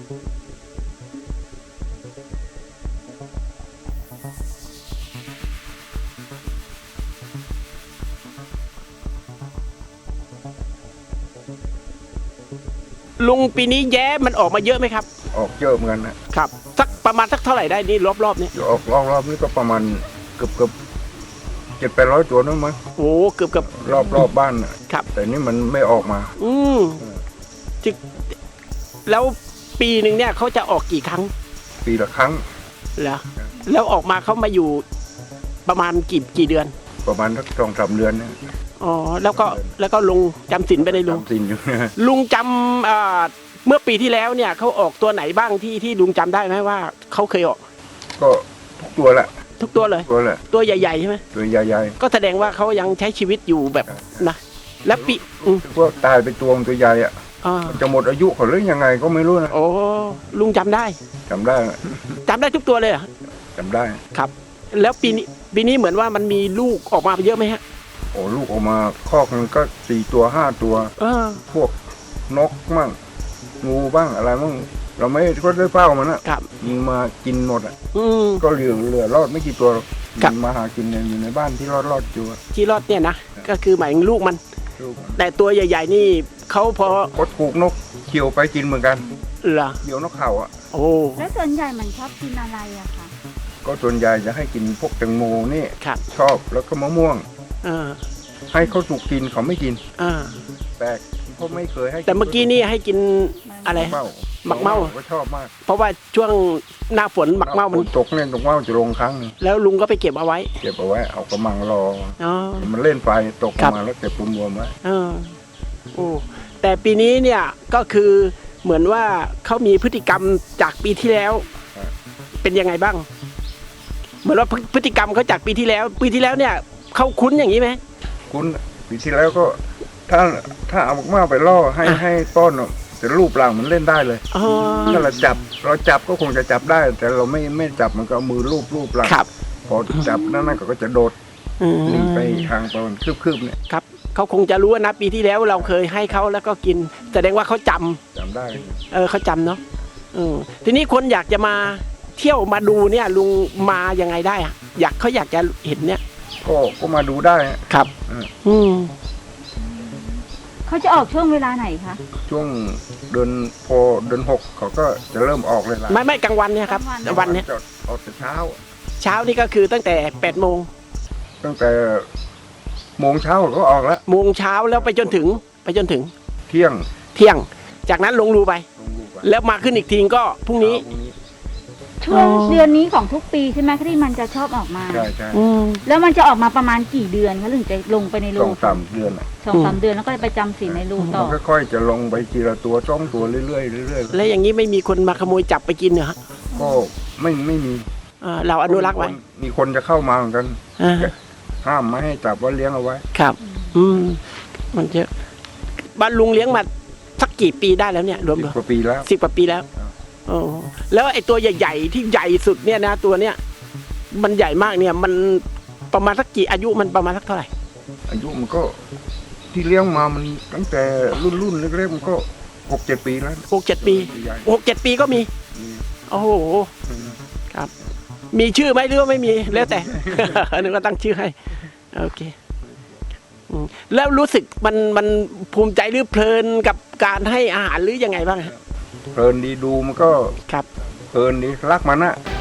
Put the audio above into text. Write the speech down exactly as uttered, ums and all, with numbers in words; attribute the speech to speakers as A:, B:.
A: ลุงปีนี้แย้มันออกมาเยอะไหมครับ
B: ออกเยอะเหมือนกันนะครับ
A: สักประมาณสักเท่าไหร่ได้นี่รอบๆนี้
B: ออกรอบๆนี้ก็ประมาณเกือบเกือบเจ็ดแปดร้อยตัวนั่นมั้ง
A: โอ้เกือบเกือบ
B: รอบรอบบ้านน่ะ
A: ครับ
B: แต่นี่มันไม่ออกมา
A: อืมจิแล้วปีหนึ่งเนี่ยเขาจะออกกี่ครั้ง
B: ปีละครั้ง
A: เหรอแล้วออกมาเขามาอยู่ประมาณกี่กี่เดือน
B: ประมาณสักสองสามเดือนเนี่ย
A: อ๋อแล้วก็แล้วก็ลุงจำศีลไปเลยลุง
B: จำสินอยู่
A: ลุงจำเอ่อเมื่อปีที่แล้วเนี่ยเขาออกตัวไหนบ้างที่ที่ลุงจำได้ไหมว่าเขาเคยออก
B: ก็ทุกตัวแหละ
A: ทุกตัวเลย
B: ตัวแหละ
A: ตัวใหญ่ๆใช่ไหม
B: ตัวใหญ่
A: ก็แสดงว่าเขายังใช้ชีวิตอยู่แบบนะแล้วปีอืม
B: ๆพวกตายไปตัวมันตัวใหญ่อะ
A: อ่า
B: จะหมดอายุเขาหรือยังไงก็ไม่รู้นะ
A: โอ้ลุงจำได้
B: จำได้
A: จำได้ทุกตัวเลยเหรอ
B: จำได้
A: ครับ แล้วปีนี้ปีนี้เหมือนว่ามันมีลูกออกมาเยอะไหมฮะ
B: โอ้ลูกออกมาคอกมันก็สี่ตัวห้าตัว
A: เออ
B: พวกนกมั่งงูบ้างอะไรมั่งเราไม่ก็ได้เฝ้ามันนะครับ ยิงมากินหมดอ่ะ
A: อืม
B: ก็เหลือเหลือรอดไม่กี่ตัวหรอก
A: ครับ
B: ยิงมาหากินเนี่ยอยู่ในบ้านที่รอดรอดอยู่อะ
A: ที่รอดเนี่ยนะก็คือหมายถึงลูกมัน
B: ลูกมัน
A: แต่ตัวใหญ่ ๆ นี่เขาพอ
B: ก็ถูกนกเขียวไปกินเหมือนกัน
A: เหรอ
B: เขียวนกเขาอ่ะ
A: โอ้
C: แล้วส่วนใหญ่มันชอบกินอะไรอะคะ
B: ก็ส่วนใหญ่จะให้กินพวกแตงโมนี่
A: ครับ
B: ชอบแล้วก็มะม่วง
A: เออ
B: ให้เขาถูกกินเขาไม่กิน
A: อ่า
B: แปลกเขาไม่เคยให้
A: แต่เมื่อกี้นี่ให้กินอะไร
B: เมา
A: หมักเม่า
B: ก็ชอบมาก
A: เพราะว่าช่วงหน้าฝนหมักเมามัน
B: ตกเนี่ยตกเมาจะลงครั้งหนึ่ง
A: แล้วลุงก็ไปเก็บเอาไว้
B: เก็บเอาไว้เอากระมังรอ
A: อ๋อ
B: มันเล่นไฟตก
A: ครับ
B: มาแล้วเก็บรวมๆไว้
A: เออโอ้แต่ปีนี้เนี่ยก็คือเหมือนว่าเขามีพฤติกรรมจากปีที่แล้ว เป็นยังไงบ้าง เหมือนว่าพฤพฤติกรรมเขาจากปีที่แล้ว ปีที่แล้วเนี่ยเขาคุ้นอย่างนี้ไหม
B: คุณปีที่แล้วก็ถ้าถ้าเอามากๆไปล่อให้
A: อ่ะ
B: ให้ป้อนอะแต่รูปร่างมันเล่นได้เลย
A: อ๋อ
B: ถ้าเราจับเราจับก็คงจะจับได้ แต่เราไม่ไม่จับมันก็เอามือรูปรูปร่าง
A: ครับ
B: พอจับนั่นนั่นก็จะโดด
A: อืม
B: หนีไปทางประมาณคืบๆเนี่ย
A: ครับเขาคงจะรู้ว่านะปีที่แล้วเราเคยให้เขาแล้วก็กินแสดงว่าเขาจำ
B: จำได้
A: เออเขาจำเนาะเออทีนี้คนอยากจะมาเที่ยวมาดูเนี่ยลุงมายังไงได้อะอยากเขาอยากจะเห็นเนี่ย
B: ก็ก็มาดูได้ฮะ
A: ครับ
B: อืม
A: อืม
C: เขาจะออกช่วงเวลาไหนคะ
B: ช่วงเดือนพอเดือนหกเขาก็จะเริ่มออกเลยล่ะ
A: ไม่ไม่กลางวันเนี่ยครับวันเนี้ย
B: จะออกแต่เช้า
A: เช้านี่ก็คือตั้งแต่แปดโมง
B: ตั้งแต่โมงเช้าก็ออกแล้ว
A: โมงเช้าแล้วไปจนถึงไปจนถึง
B: เที่ยง
A: เที่ยง จากนั้นลงรูไป
B: ลงลูกไป
A: แล้วมาขึ้นอีกทีก็พรุ่งนี้
B: เช้าพรุ่งนี้
C: ช่วง
A: อ๋อ
C: เดือนนี้ของทุกปีใช่ไหมที่มันจะชอบออกมา
B: ใช่ใช่
A: อืม
C: แล้วมันจะออกมาประมาณกี่เดือนคะถึงจะลงไปใน
B: ส
C: รู
B: องสามเดือนอะ
C: สองสามเดือนแล้วก็ไปจำศีลในรูต่อ
B: มันค่อยๆจะลงไปทีละตัวจ้องตัวเรื่อยๆเรื่อย
A: แล้วอย่างนี้ไม่มีคนมาขโมยจับไปกินเหรอฮะ
B: ๆก็ไม่ไม่มี
A: เออเราอนุรักษ์ไว้
B: มีคนจะเข้ามาเหมือนกัน
A: อ่า
B: ห้ามไม่ให้จับว่าเลี้ยงเอาไว้
A: ครับ อืมมันเยอะบ้านลุงเลี้ยงมาสักกี่ปีได้แล้วเนี่ยรวม
B: สิบ
A: ๆ
B: กว่าปีแล้ว
A: สิบกว่าปีแล้ว
B: ครับ
A: โอ้แล้วไอ้ตัวใหญ่ๆที่ใหญ่สุดเนี่ยนะตัวเนี้ยมันใหญ่มากเนี่ย มันประมาณสักกี่อายุมันประมาณสักเท่าไหร่
B: อายุมันก็ที่เลี้ยงมามันตั้งแต่รุ่นรุ่นๆเล็กๆมันก็หกเจ็ดปีแล้ว
A: หกเจ็ดปี
B: ใหญ่
A: หกเจ็ดปีก็มี
B: มี
A: โอ้โหครับ มีชื่อไหมหรือว่าไม่มีแล้วแต่ นึกว่าตั้งชื่อให้โอเคอืมแล้วรู้สึกมันมันภูมิใจหรือเพลินกับการให้อาหารหรือยังไงบ้างฮะ
B: เพลินดีดูมันก็
A: ครับ
B: เพลินดีรักมันอะ